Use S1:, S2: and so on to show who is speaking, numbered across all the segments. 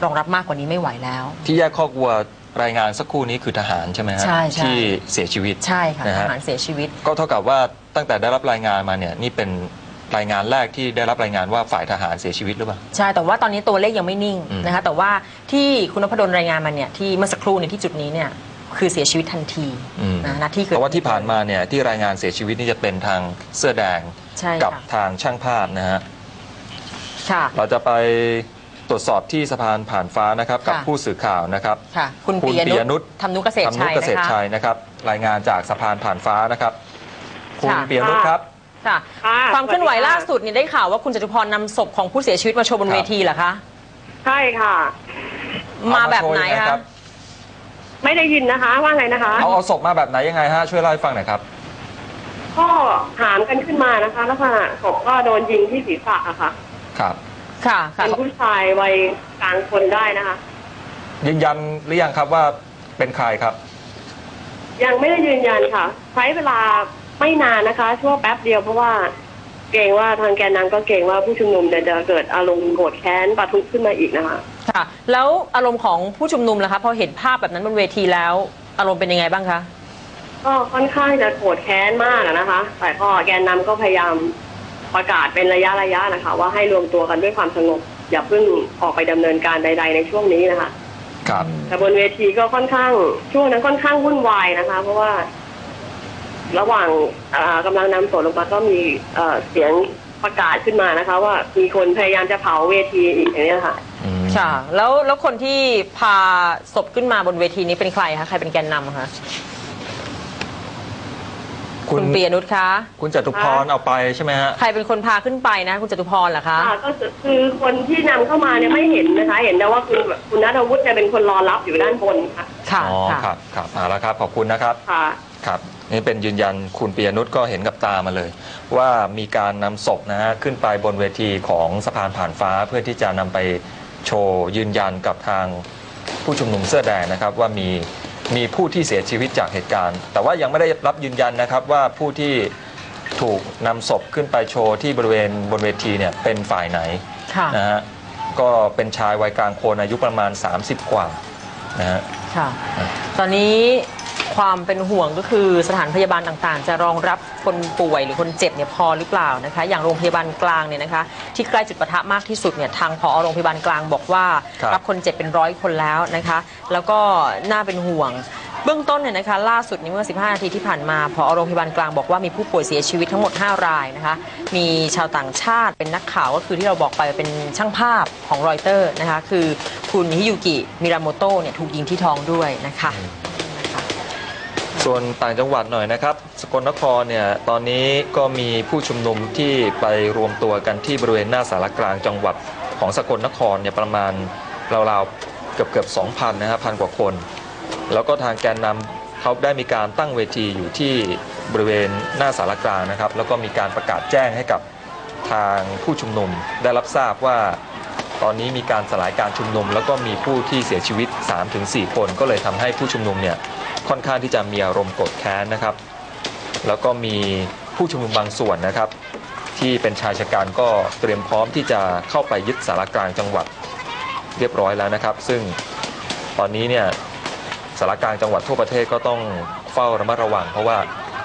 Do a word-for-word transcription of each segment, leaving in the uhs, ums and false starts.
S1: รองรับมากกว่านี้ไม่ไหวแล้ว
S2: ที่แยกคอกวัวรายงานสักครู่นี้คือทหารใช่ไหมฮะที่เสียชีวิต
S1: ใช่ค่ะทหารเสียชีวิต
S2: ก็เท่ากับว่าตั้งแต่ได้รับรายงานมาเนี่ยนี่เป็นรายงานแรกที่ได้รับรายงานว่าฝ่ายทหารเสียชีวิตหรือเปล่า
S1: ใช่แต่ว่าตอนนี้ตัวเลขยังไม่นิ่งนะคะแต่ว่าที่คุณนพดลรายงานมาเนี่ยที่เมื่อสักครู่ในที่จุดนี้เนี่ยคือเสียชีวิตทันทีนะนาที่เกิด
S2: แต่ว่าที่ผ่านมาเนี่ยที่รายงานเสียชีวิตนี่จะเป็นทางเสื้อแดงกับทางช่างภาพนะฮะเราจะไปตรวจสอบที่สะพานผ่านฟ้านะครับกับผู้สื่อข่าวนะครับ
S1: คุณปียนุชธรรมนุเกษตรชัย
S2: นะครับรายงานจากสะพานผ่านฟ้านะครับคุณปียนุชครับ
S1: ค่ะความเคลื่อนไหวล่าสุดเนี่ยได้ข่าวว่าคุณจตุพรนำศพของผู้เสียชีวิตมาโชว์บนเวทีเหรอคะ
S3: ใช่ค่ะ
S1: มาแบบไหนคะ
S3: ไม่ได้ยินนะคะว่าไงนะคะ
S2: เอาเอาศพมาแบบไหนยังไงฮะช่วยเล่าให้ฟังหน่อยครับ
S3: ก็หามกันขึ้นมานะคะแล้วค่ะศพก็โดนยิงที่ศีรษะอะค่ะ
S2: ครับ
S1: ค่ะ
S3: เป็นผู้ชายวัยกลางคนได้นะคะ
S2: ยืนยันหรือยังครับว่าเป็นใครครับ
S3: ยังไม่ได้ยืนยันค่ะใช้เวลาไม่นานนะคะชั่วแป๊บเดียวเพราะว่าเกรงว่าทางแกนนำก็เกรงว่าผู้ชุมนุมจะเกิดอารมณ์โกรธแค้นปะทุขึ้นมาอีกนะคะ
S1: ค่ะแล้วอารมณ์ของผู้ชุมนุมล่ะคะพอเห็นภาพแบบนั้นบนเวทีแล้วอารมณ์เป็นยังไงบ้างคะ
S3: ก็ค่อนข้างจะโกรธแค้นมากนะคะแต่ก็แกนนำก็พยายามประกาศเป็นระยะระยะนะคะว่าให้รวมตัวกันด้วยความสงบอย่าเพิ่งออกไปดำเนินการใดๆในช่วงนี้นะคะ
S2: ครับ
S3: แต่บนเวทีก็ค่อนข้างช่วงนั้นค่อนข้างวุ่นวายนะคะเพราะว่าระหว่างกำลังนำศพลงมาก็มีเสียงประกาศขึ้นมานะคะว่ามีคนพยายามจะเผาเวทีอีกอย่างนี้ค่ะ
S1: ค่ะแล้วแล้วคนที่พาศพขึ้นมาบนเวทีนี้เป็นใครคะใครเป็นแกนนำคะคุณปียนุชคะ
S2: คุณจตุพรเอาไปใช่ไหมฮะ
S1: ใครเป็นคนพาขึ้นไปนะคุณจตุพรเหรอคะ
S3: ก็คือคนที่นำเข้ามาเนี่ยไม่เห็นนะคะเห็นแต่ว่าคุณคุณณัฐวุฒิเนี่ยเป็นคนรอรับอยู่ด้านบนค่ะ
S1: ค่ะ
S2: อ๋อครับครับเอาละครับขอบคุณนะครับ
S3: ค่ะ
S2: ครับนี่เป็นยืนยันคุณปียนุชก็เห็นกับตามาเลยว่ามีการนำศพนะฮะขึ้นไปบนเวทีของสะพานผ่านฟ้าเพื่อที่จะนำไปโชว์ยืนยันกับทางผู้ชุมนุมเสื้อแดงนะครับว่ามีมีผู้ที่เสียชีวิตจากเหตุการณ์แต่ว่ายังไม่ได้รับยืนยันนะครับว่าผู้ที่ถูกนำศพขึ้นไปโชว์ที่บริเวณบนเวทีเนี่ยเป็นฝ่ายไหนนะฮะก็เป็นชายวัยกลางคนอายุประมาณสามสิบกว่านะฮะ
S1: ค่ะตอนนี้ความเป็นห่วงก็คือสถานพยาบาลต่างๆจะรองรับคนป่วยหรือคนเจ็บเนี่ยพอหรือเปล่านะคะอย่างโรงพยาบาลกลางเนี่ยนะคะที่ใกล้จุดปะทะมากที่สุดเนี่ยทางผอ.โรงพยาบาลกลางบอกว่ารับคนเจ็บเป็นร้อยคนแล้วนะคะแล้วก็น่าเป็นห่วงเบื้องต้นเนี่ยนะคะล่าสุดนี้เมื่อสิบห้านาทีที่ผ่านมาผอ.โรงพยาบาลกลางบอกว่ามีผู้ป่วยเสียชีวิตทั้งหมดห้ารายนะคะมีชาวต่างชาติเป็นนักข่าวก็คือที่เราบอกไปเป็นช่างภาพของรอยเตอร์นะคะคือคุณฮิยุกิมิราโมโตะเนี่ยถูกยิงที่ท้องด้วยนะคะ
S2: ส่วนต่างจังหวัดหน่อยนะครับสกลนครเนี่ยตอนนี้ก็มีผู้ชุมนุมที่ไปรวมตัวกันที่บริเวณหน้าศาลกลางจังหวัดของสกลนครเนี่ยประมาณราวๆเกือบเกือบสองพันนะครับพันกว่าคนแล้วก็ทางแกนนำเขาได้มีการตั้งเวทีอยู่ที่บริเวณหน้าศาลกลางนะครับแล้วก็มีการประกาศแจ้งให้กับทางผู้ชุมนุมได้รับทราบว่าตอนนี้มีการสลายการชุมนุมแล้วก็มีผู้ที่เสียชีวิต สามถึงสี่ คนก็เลยทำให้ผู้ชุมนุมเนี่ยค่อนข้างที่จะมีอารมณ์โกรธแค้นนะครับแล้วก็มีผู้ชุมนุมบางส่วนนะครับที่เป็นชายชะกันก็เตรียมพร้อมที่จะเข้าไปยึดศาลกลางจังหวัดเรียบร้อยแล้วนะครับซึ่งตอนนี้เนี่ยศาลกลางจังหวัดทั่วประเทศก็ต้องเฝ้าระมัดระวังเพราะว่า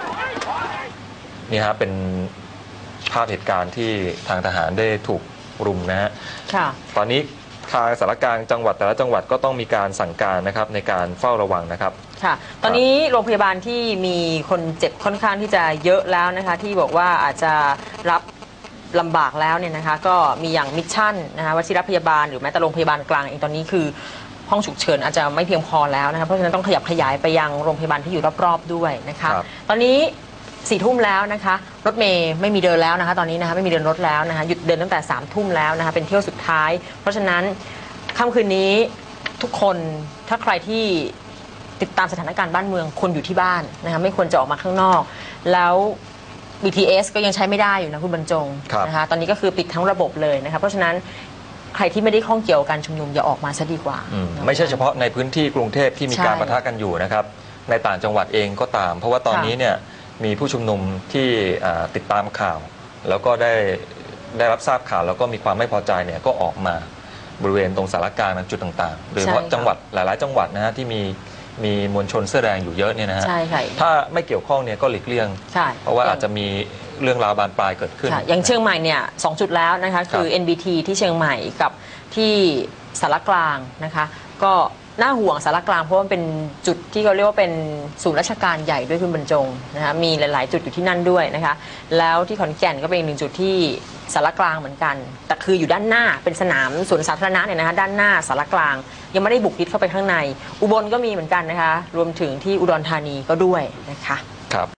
S2: นี่ฮะเป็นภาพเหตุการณ์ที่ทางทหารได้ถูกรุมนะฮะตอนนี้ทางสารกลางจังหวัดแต่ละจังหวัดก็ต้องมีการสั่งการนะครับในการเฝ้าระวังนะครับ
S1: ค่ะตอนนี้โรงพยาบาลที่มีคนเจ็บค่อนข้างที่จะเยอะแล้วนะคะที่บอกว่าอาจจะรับลำบากแล้วเนี่ยนะคะก็มีอย่างมิชชั่นนะคะวชิรพยาบาลหรือแม้แต่โรงพยาบาลกลางเองตอนนี้คือห้องฉุกเฉินอาจจะไม่เพียงพอแล้วนะคะเพราะฉะนั้นต้องขยับขยายไปยังโรงพยาบาลที่อยู่รอบๆด้วยนะคะตอนนี้สี่ทุ่มแล้วนะคะรถเมย์ไม่มีเดินแล้วนะคะตอนนี้นะคะไม่มีเดินรถแล้วนะคะหยุดเดินตั้งแต่สามทุ่มแล้วนะคะเป็นเที่ยวสุดท้ายเพราะฉะนั้นค่ำคืนนี้ทุกคนถ้าใครที่ติดตามสถานการณ์บ้านเมืองควรอยู่ที่บ้านนะคะไม่ควรจะออกมาข้างนอกแล้ว บี ที เอส ก็ยังใช้ไม่ได้อยู่นะคุณบรรจงนะคะตอนนี้ก็คือปิดทั้งระบบเลยนะคะเพราะฉะนั้นใครที่ไม่ได้ข้องเกี่ยวกับการชุมนุมอย่าออกมาซะดีกว่า
S2: ไม่ใช่เฉพาะในพื้นที่กรุงเทพที่มีการปะทะกันอยู่นะครับในต่างจังหวัดเองก็ตามเพราะว่าตอนนี้เนี่ยมีผู้ชุมนุมที่ติดตามข่าวแล้วก็ได้ได้รับทราบข่าวแล้วก็มีความไม่พอใจเนี่ยก็ออกมาบริเวณตรงสารกลางจุดต่างๆโดยเฉพาะ
S1: ใช่ค่ะ
S2: จังหวัดหลายๆ จังหวัดนะฮะที่มีมีมวลชนเสื้อแดงอยู่เยอะเนี่ยนะฮะ
S1: ใช่ค่ะ
S2: ถ้าไม่เกี่ยวข้องเนี่ยก็หลีกเลี่ยง
S1: ใช่
S2: เพราะว่าอาจจะมีเรื่องราวบานปลายเกิดขึ้น
S1: ค่ะอย่างเชียงใหม่เนี่ยสองจุดแล้วนะคะคือ
S2: ครับ
S1: เอ็น บี ที ที่เชียงใหม่กับที่สารกลางนะคะก็น่าห่วงสารกลางเพราะว่าเป็นจุดที่เขาเรียกว่าเป็นศูนย์ราชการใหญ่ด้วยคุณบรรจงนะคะมีหลาย ๆ จุดอยู่ที่นั่นด้วยนะคะแล้วที่ขอนแก่นก็เป็นอีกหนึ่งจุดที่สารกลางเหมือนกันแต่คืออยู่ด้านหน้าเป็นสนามสวนสาธารณะเนี่ยนะคะด้านหน้าสารกลางยังไม่ได้บุกยึดเข้าไปข้างในอุบลก็มีเหมือนกันนะคะรวมถึงที่อุดรธานีก็ด้วยนะคะ
S2: ครับ